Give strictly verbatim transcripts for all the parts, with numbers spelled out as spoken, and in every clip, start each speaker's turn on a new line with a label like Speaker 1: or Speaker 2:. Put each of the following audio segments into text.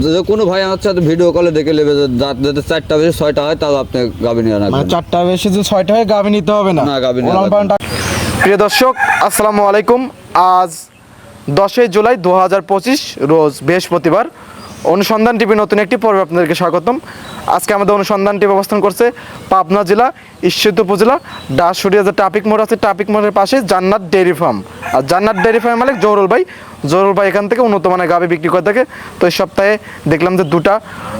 Speaker 1: যদি কোনো ভাই আমার সাথে ভিডিও কলে দেখে নেবে যাতে চারটা বেশি ছয়টা হয় তাহলে আপনি গাভী নিয়ে রাখবেন।
Speaker 2: চারটা বেশি যদি ছয়টা হয় গাভী নিতে হবে না।
Speaker 1: না, গাভী নিয়ে রাখবেন।
Speaker 2: প্রিয় দর্শক আসসালামু আলাইকুম। আজ দশই জুলাই দু হাজার পঁচিশ রোজ বৃহস্পতিবার। অনুসন্ধান টিভি নতুন একটি পর্বে আপনাদেরকে স্বাগতম। আজকে আমাদের অনুসন্ধান টিভি অবস্থান করছে পাবনা জেলা ঈশ্বরদী উপজেলা ডাসুরিয়া যে ট্রাফিক মোড় আছে, ট্রাফিক মোড়ের পাশে জান্নাত ডেয়ারি ফার্ম। আর জান্নাত ডেয়ারি ফার্ম মালিক জহুরুল ভাই। জহুরুল ভাই এখান থেকে উন্নত মানের গাভী বিক্রি করে থাকে। তো এই সপ্তাহে দেখলাম যে দুটা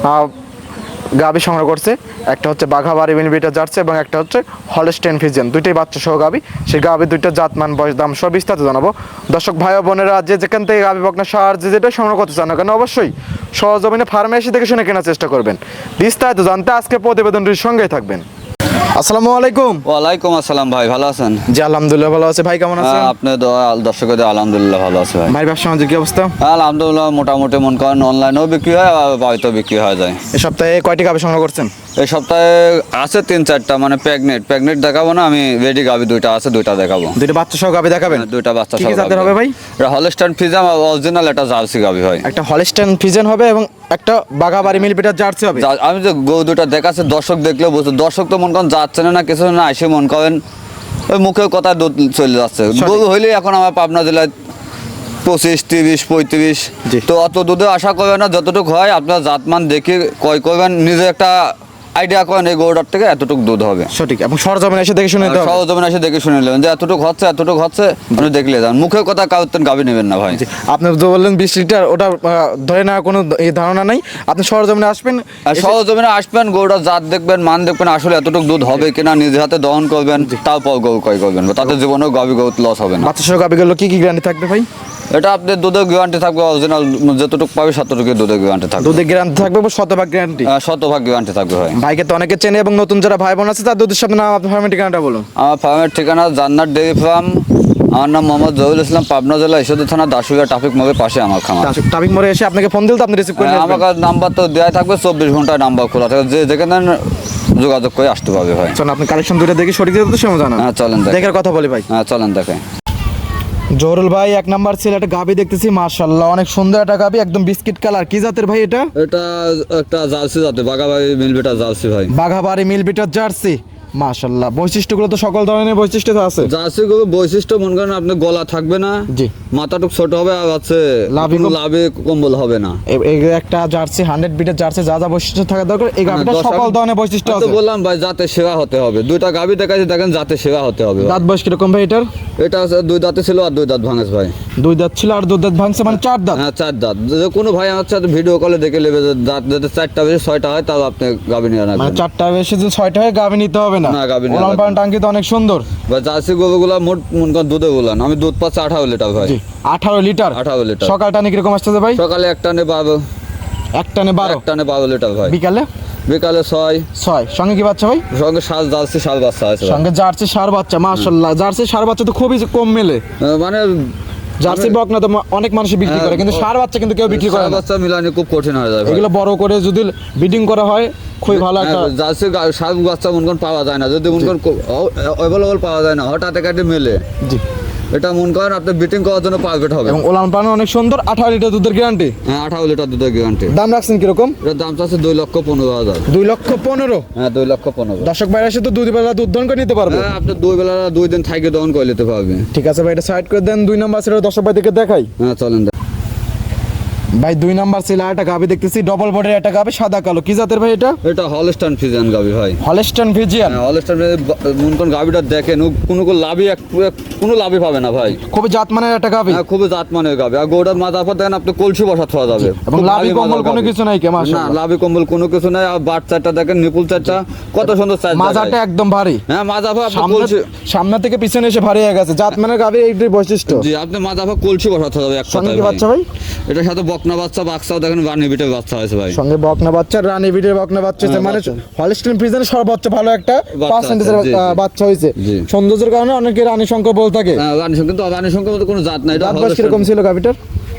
Speaker 2: গাভী সংগ্রহ করছে। একটা হচ্ছে বাঘাবাড়ি মিলিমিটার জার্সি এবং একটা হচ্ছে হলস্টেইন ফ্রিজিয়ান, দুইটাই বাচ্চা সহ গাভী। সেই গাভী দুইটা জাতমান, বয়স, দাম সব বিস্তারিত জানাবো। দর্শক ভাই ও বোনেরা যে যেখান থেকে গাভী বকনা সার যে যেটা সংগ্রহ করতে চান না কেন অবশ্যই সহজমিনে ফার্মে এসে দেখে শুনে কেনার চেষ্টা করবেন। বিস্তারিত জানতে আজকে প্রতিবেদনটির সঙ্গেই থাকবেন। আসসালামু আলাইকুম।
Speaker 1: ওয়ালাইকুম আসসালাম ভাই, ভালো আছেন?
Speaker 2: জি আলহামদুলিল্লাহ ভালো আছে। ভাই কেমন আছেন?
Speaker 1: আপনি দর্শকের আলহামদুলিল্লাহ ভালো আছে ভাই।
Speaker 2: ভাই ব্যবসা বাণিজ্যের কি অবস্থা?
Speaker 1: আলহামদুলিল্লাহ মোটামুটি মন করেন অনলাইনেও বিক্রি হয় আর বাড়িতেও বিক্রি হয়ে যায়।
Speaker 2: এই সপ্তাহে কয়টি গাভী সংগ্রহ করছেন?
Speaker 1: এই সপ্তাহে আছে তিন চারটা, মানে প্রেগনেন্ট প্রেগনেন্ট দেখাবো না, আমি রেডি গাভী দুইটা আছে, দুইটা দেখাবো।
Speaker 2: দুইটা বাচ্চা সহ গাভী দেখাবেন?
Speaker 1: দুইটা বাচ্চা
Speaker 2: কি
Speaker 1: সহ
Speaker 2: কি জাতের হবে ভাই?
Speaker 1: এটা হলস্টাইন ফ্রিজিয়ান অরিজিনাল, এটা জার্সি গাভী হয়।
Speaker 2: একটা হলস্টেইন ফ্রিজিয়ান হবে এবং একটা বাঘাবাড়ি মিলিমিটার জার্সি হবে।
Speaker 1: যা- আমি যে গরু দুটা দেখাচ্ছে দর্শক দেখলেও বুঝতে, দর্শক তো মন করেন যাচ্ছে না না কিছু না, এসে মন করেন ওই মুখের কথা দুধ চলে যাচ্ছে। গরু হইলে এখন আমার পাবনা জেলায় পঁচিশ তিরিশ পঁয়ত্রিশ,
Speaker 2: জি।
Speaker 1: তো অত দুধে আশা করবেন না, যতটুকু হয় আপনার জাতমান দেখে ক্রয় করবেন, নিজে একটা আইডিয়া করেন এই গরুটার থেকে এতটুকু দুধ হবে।
Speaker 2: সঠিক, এবং সরজমিনে এসে দেখে শুনে নিতে হবে।
Speaker 1: সহজমিন এসে দেখে শুনে নেবেন যে এতটুকু হচ্ছে এতটুকু হচ্ছে, আপনি দেখলে যান, মুখের কথা কাউর গাভী নেবেন না ভাই।
Speaker 2: আপনি যে বললেন বিশ লিটার, ওটা আহ, ধরে নেওয়ার কোনো এই ধারণা নাই। আপনি সরজমিনে আসবেন,
Speaker 1: আর
Speaker 2: এসে-
Speaker 1: সহজমিনে আসবেন, গরুটা জাত দেখবেন, মান দেখবেন, আসলে এতটুকু দুধ হবে কিনা নিজে হাতে দহন করবেন, তারপর গরু ক্রয় করবেন, তাতে জীবনেও গাভী গরু লস হবে না।
Speaker 2: বাচ্চা সহ গাভীগুলো কি কি গ্যারান্টি থাকবে ভাই?
Speaker 1: এটা আপনার দুধের গ্যারান্টি থাকবে, অরিজিনাল যতটুকু পাবে ততটুকু দুধের গ্যারান্টি থাকবে,
Speaker 2: দুধের গ্যারান্টি থাকবে বা শতভাগ গ্যারান্টি?
Speaker 1: আহ, শতভাগ গ্যারান্টি থাকবে ভাই।
Speaker 2: ভাইকে তো অনেকে চেনে এবং নতুন যারা ভাই বোন আছে তার দুধের সামনে নাম, আপনার ফার্মের ঠিকানাটা বলুন।
Speaker 1: আমার ফার্মের ঠিকানা জান্নাত ডেয়ারি ফার্ম। আমার নাম মোহাম্মদ জহুরুল ইসলাম, পাবনা জেলা ঈশ্বরদী থানা দাসুরিয়া ট্রাফিক মোড়ের পাশে আমার খামার।
Speaker 2: ট্রাফিক মোড়ে এসে আপনাকে ফোন দিলে তো আপনি রিসিভ করে
Speaker 1: হ্যাঁ,
Speaker 2: নেবেন।
Speaker 1: আমার নাম্বার তো দেওয়া থাকবে, চব্বিশ ঘন্টায় নাম্বার খোলা থাকে, যে যেখানে যোগাযোগ করে আসতে পারবে ভাই।
Speaker 2: চলুন আপনি কালেকশন দুটো দেখি সঠিক তো সময় জানান।
Speaker 1: হ্যাঁ চলেন দেখেন।
Speaker 2: দেখার কথা বলি ভাই।
Speaker 1: হ্যাঁ চলেন দেখেন।
Speaker 2: জহুরুল ভাই এক নাম্বার ছিল একটা গাভী দেখতেছি, মাশাআল্লাহ অনেক সুন্দর একটা গাভী, একদম বিস্কিট কালার। কি জাতের ভাই এটা?
Speaker 1: এটা একটা জার্সি জাতে, বাগাবাড়ি মিলবেটা জার্সি ভাই।
Speaker 2: বাঘাবাড়ি মিলবিটার জার্সি, মাশাআল্লাহ। বৈশিষ্ট্যগুলো তো সকল ধরনের বৈশিষ্ট্য তো আছে।
Speaker 1: জার্সি গরু বৈশিষ্ট্য মনে করেন আপনি গলা থাকবে না,
Speaker 2: জি।
Speaker 1: মাথাটুক ছোট হবে, আর আছে
Speaker 2: লাভি কম-
Speaker 1: লাভে কম্বল হবে না।
Speaker 2: এ- এই একটা জার্সি হান্ড্রেড বিটের জার্সি যা যা বৈশিষ্ট্য থাকা দরকার এই গাভীটা
Speaker 1: দশ
Speaker 2: সকল
Speaker 1: আমি-
Speaker 2: ধরনের বৈশিষ্ট্য
Speaker 1: আমি তো
Speaker 2: আছে।
Speaker 1: বললাম ভাই জাতে সেবা হতে হবে, দুইটা গাভী দেখাচ্ছি দেখেন, জাতে সেবা হতে হবে।
Speaker 2: দাঁত বয়স কিরকম ভাই এটার?
Speaker 1: এটা আছে দুই দাঁতে ছিল আর দুই দাঁত ভাঙেছ ভাই।
Speaker 2: দুই দাঁত ছিল আর দুই দাঁত ভাঙছে, মানে চার দাঁত।
Speaker 1: হ্যাঁ চার দাঁত। যদি কোনো ভাই আমার সাথে ভিডিও কলে দেখে নেবে যে দাঁত যাতে চারটা বেশি ছয়টা হয় তাহলে আপনি গাভী নিয়ে
Speaker 2: মানে
Speaker 1: রাখবেন।
Speaker 2: চারটা বেশি যদি ছয়টা হয় গাভী নিতে হবে না।
Speaker 1: না, গাভী নিতে
Speaker 2: ওলান
Speaker 1: হবে
Speaker 2: পালান টাঙ্কি তো অনেক সুন্দর।
Speaker 1: বা জার্সি গরুগুলা মোট মনে করেন দুধে গুলান, আমি দুধ পাচ্ছি আঠারো লিটার ভাই।
Speaker 2: জি, আঠারো লিটার।
Speaker 1: আঠারো লিটার।
Speaker 2: সকাল টানে কিরকম আসতেছে ভাই?
Speaker 1: সকালে এক টানে বারো,
Speaker 2: এক টানে বারো,
Speaker 1: এক টানে বারো লিটার ভাই।
Speaker 2: বিকালে
Speaker 1: বিকালে ছয়।
Speaker 2: ছয়। সঙ্গে কি বাচ্চা ভাই?
Speaker 1: সঙ্গে সাত জার্সি সাত বাচ্চা আছে ভাই।
Speaker 2: সঙ্গে জার্সি সার বাচ্চা, মাশাআল্লাহ। জার্সি সার বাচ্চা তো খুবই কম মেলে।
Speaker 1: আহ, মানে
Speaker 2: জার্সি বকনা তো মা- অনেক মানুষ বিক্রি করে, কিন্তু সার বাচ্চা কিন্তু কেউ বিক্রি করে
Speaker 1: সাত
Speaker 2: না।
Speaker 1: বাচ্চা মিলানি খুব কঠিন হয়ে যায় ভাই।
Speaker 2: এগুলো বড় করে যদি ব্রিডিং করা হয় খুবই ভালো একটা।
Speaker 1: হ্যাঁ, জার্সি গা- সাত বাচ্চা মনে করেন পাওয়া যায় না, যদি মনে করেন অ্যাভেলেবল পাওয়া যায় না, হঠাৎ একাটি মেলে,
Speaker 2: জি।
Speaker 1: এটা মনে করেন আপনি বিটিং করার জন্য পারফেক্ট হবে।
Speaker 2: এবং ওলান পালান অনেক সুন্দর, আঠারো লিটার দুধের গ্যারান্টি।
Speaker 1: হ্যাঁ আঠারো লিটার দুধের গ্যারান্টি।
Speaker 2: দাম রাখছেন কিরকম?
Speaker 1: এটার দাম চাচ্ছে দুই লক্ষ পনেরো হাজার।
Speaker 2: দুই লক্ষ পনেরো।
Speaker 1: হ্যাঁ দুই লক্ষ পনেরো।
Speaker 2: দর্শক ভাইরা এসে তো দুই বেলা দুধ দহন করে নিতে পারবে।
Speaker 1: হ্যাঁ আপনি দুই বেলা দুই দিন থাইকে দহন করে নিতে পারবে।
Speaker 2: ঠিক আছে ভাই, এটা সাইড করে দেন। দুই নাম্বার ছিল দর্শক ভাইদেরকে দেখাই।
Speaker 1: হ্যাঁ চলেন।
Speaker 2: ভাই দুই নাম্বার ছিল একটা গাভি দেখতেছি, ডবল বডির একটা গাভি, সাদা কালো। কি জাতের ভাই এটা?
Speaker 1: এটা হলস্টাইন ফ্রিজিয়ান গাভী ভাই।
Speaker 2: Holstein Friesian.
Speaker 1: হ্যাঁ হলস্টাইন মনে করেন গাভীটা দেখেন, ও কোনো কোনো লাভই এক কোনো লাভই পাবে না ভাই।
Speaker 2: খুবই জাতমানের একটা গাভি
Speaker 1: হ্যাঁ খুবই জাত মানের গাভী। আর গরুটার মাথার পর দেখেন আপনি কলসি বসা থাকা যাবে,
Speaker 2: এবং
Speaker 1: খুব
Speaker 2: লাভি
Speaker 1: ভারী
Speaker 2: কম্বল
Speaker 1: মাজার
Speaker 2: কোনো
Speaker 1: গাভী।
Speaker 2: কিছু নাই কে?
Speaker 1: না
Speaker 2: মাশাআল্লাহ।
Speaker 1: লাভি কম্বল কোনো কিছু নাই। আর বাট চারটা দেখেন, নিপুল চারটা কত সুন্দর চার
Speaker 2: মাজাটা একদম ভারী।
Speaker 1: হ্যাঁ মাজা ভাই আপনি
Speaker 2: সামনে
Speaker 1: কলসি।
Speaker 2: সামনে থেকে পিছনে এসে ভারী হয়ে গেছে। জাতমানের গাভি এইটাই বৈশিষ্ট্য।
Speaker 1: জি আপনি মাজা ভাই কলসি বসাতে হবে এক
Speaker 2: সঙ্গে
Speaker 1: কথায়
Speaker 2: কি
Speaker 1: ভাই।
Speaker 2: বাচ্চা ভাই?
Speaker 1: এটার সাথে বকনা বাচ্চা বাক্সাও দেখেন, বানি বিটের বাচ্চা আছে ভাই।
Speaker 2: সঙ্গে বকনা বাচ্চা, রানী বিটের বকনা বাচ্চা হয়েছে,
Speaker 1: হ্যাঁ,
Speaker 2: মানে
Speaker 1: বাচ্চা।
Speaker 2: হলস্টেইন ফ্রিজিয়ানের সর্বোচ্চ ভালো একটা
Speaker 1: বাচ্চা
Speaker 2: পার্সেন্টেজের
Speaker 1: আছে, জি, জি।
Speaker 2: বাচ্চা হয়েছে।
Speaker 1: জি।
Speaker 2: সৌন্দর্যের কারণে অনেকে রানী সংখ্যা বলে থাকে।
Speaker 1: হ্যাঁ রানী সংখ্যা, কিন্তু রানী সংখ্যা মতো কোনো জাত নাই। এটা
Speaker 2: দাঁত বয়স
Speaker 1: হলস্টাইন-
Speaker 2: কিরকম ছিল গাভিটার?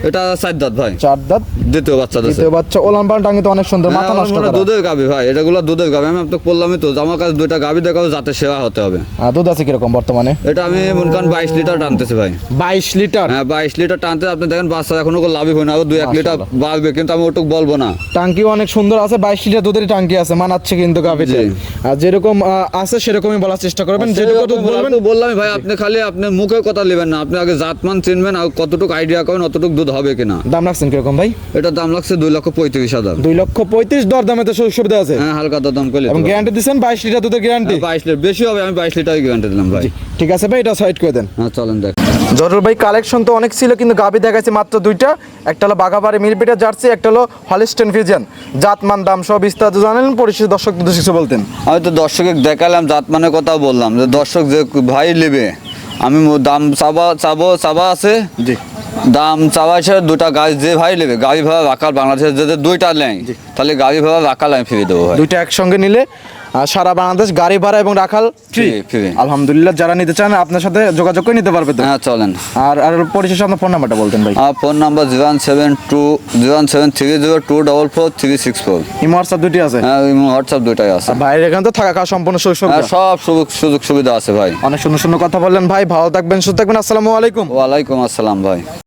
Speaker 1: এটা চার দাঁত ভাই,
Speaker 2: চার দাঁত,
Speaker 1: দ্বিতীয় বাচ্চা দিচ্ছে।
Speaker 2: দ্বিতীয় বাচ্চা। ওলান পালান টাঙ্গি তো অনেক সুন্দর,
Speaker 1: হ্যাঁ,
Speaker 2: মাথা
Speaker 1: আমার
Speaker 2: নষ্ট
Speaker 1: মনে হয়
Speaker 2: করা।
Speaker 1: দুধের গাভী ভাই, এটাগুলো দুধের গাভী। আমি আপনাকে বললামই তো, আমার কাছে দুইটা গাভী দেখাবো, যাতে সেবা হতে হবে।
Speaker 2: আর দুধ আছে কিরকম বর্তমানে?
Speaker 1: এটা আমি মনে করেন বাইশ লিটার টানতেছি ভাই।
Speaker 2: বাইশ লিটার?
Speaker 1: হ্যাঁ, বাইশ লিটার টানতে। আপনি দেখেন বাচ্চা এখনো কোনো লাভই হয় না, দুই এক লিটার বাড়বে, কিন্তু আমি ওটুক বলবো না।
Speaker 2: টাঙ্কি অনেক সুন্দর আছে, বাইশ লিটার দুধের টাঙ্কি আছে, মানাচ্ছে কিন্তু গাভীতে।
Speaker 1: জি।
Speaker 2: আর যেরকম আহ, আছে সেরকমই বলার চেষ্টা করবেন, যেটুকু দুধ বলবেন।
Speaker 1: বললাম ভাই, আপনি খালি আপনি মুখে কথা নেবেন না, আপনি আগে জাতমান চিনবেন আর কতটুকু আইডিয়া করেন অতটুকু দুধ হবে কিনা।
Speaker 2: দাম রাখছেন কিরকম ভাই?
Speaker 1: এটার দাম লাগছে দুই লক্ষ পঁয়ত্রিশ হাজার।
Speaker 2: দুই লক্ষ পঁয়ত্রিশ, দর দামে তো সুযোগ সুবিধা আছে?
Speaker 1: হ্যাঁ, হালকা দাম করে
Speaker 2: এবং গ্যারান্টি দিচ্ছেন বাইশ লিটার দুধের গ্যারান্টি?
Speaker 1: বাইশ লিটার বেশি হবে, আমি বাইশ লিটার গ্যারান্টি দিলাম ভাই।
Speaker 2: ঠিক আছে ভাই, এটা সাইড করে দেন।
Speaker 1: হ্যাঁ, চলেন দেখ।
Speaker 2: জরুর ভাই, কালেকশন তো অনেক ছিল, কিন্তু গাভী দেখাচ্ছে মাত্র দুইটা। একটা হলো বাঘাবাড়ি মিলপিটা জার্সি, একটা হলো হলিস্টেন ফ্রিজিয়ান। জাতমান দাম সব বিস্তারিত জানেন, পরিশেষ দর্শক কিছু বলতেন।
Speaker 1: আমি তো দর্শকে দেখালাম, জাতমানের কথা বললাম, যে দর্শক যে ভাই নেবে, আমি মো- দাম চাবা চাবো চাবা আছে।
Speaker 2: জি।
Speaker 1: দাম চাওয়া হিসেবে দুটা গাড়ি যে ভাই নেবে, গাড়ি ভাড়া রাখাল বাংলাদেশের যদি দুইটা নেয়, তাহলে গাড়ি ভাড়া রাখাল আমি ফিরে দেবো ভাই।
Speaker 2: দুইটা একসঙ্গে নিলে আহ, সারা বাংলাদেশ গাড়ি ভাড়া এবং রাখাল ফ্রি।
Speaker 1: Free, free।
Speaker 2: আলহামদুলিল্লাহ, যারা নিতে চান আপনার সাথে যোগাযোগ করে নিতে পারবে তো?
Speaker 1: হ্যাঁ, চলেন।
Speaker 2: আর আর পরিশেষে আপনার ফোন নাম্বারটা বলতেন ভাই।
Speaker 1: আমার phone number zero one seven two zero one seven three zero two double four three six four.
Speaker 2: Imo WhatsApp দুটি আছে?
Speaker 1: হ্যাঁ, হোয়াটসঅ্যাপ দুটাই আছে।
Speaker 2: ভাইয়ের এখানে তো থাকা খাওয়া সম্পূর্ণ সুযোগ
Speaker 1: হ্যাঁ,
Speaker 2: সুবিধা।
Speaker 1: সব সুযোগ সুযোগ সুবিধা আছে ভাই।
Speaker 2: অনেক সুন্দর সুন্দর কথা বললেন ভাই, ভালো থাকবেন, সুস্থ থাকবেন। আসসালামু আলাইকুম।
Speaker 1: ওয়ালাইকুম আসসালাম ভাই।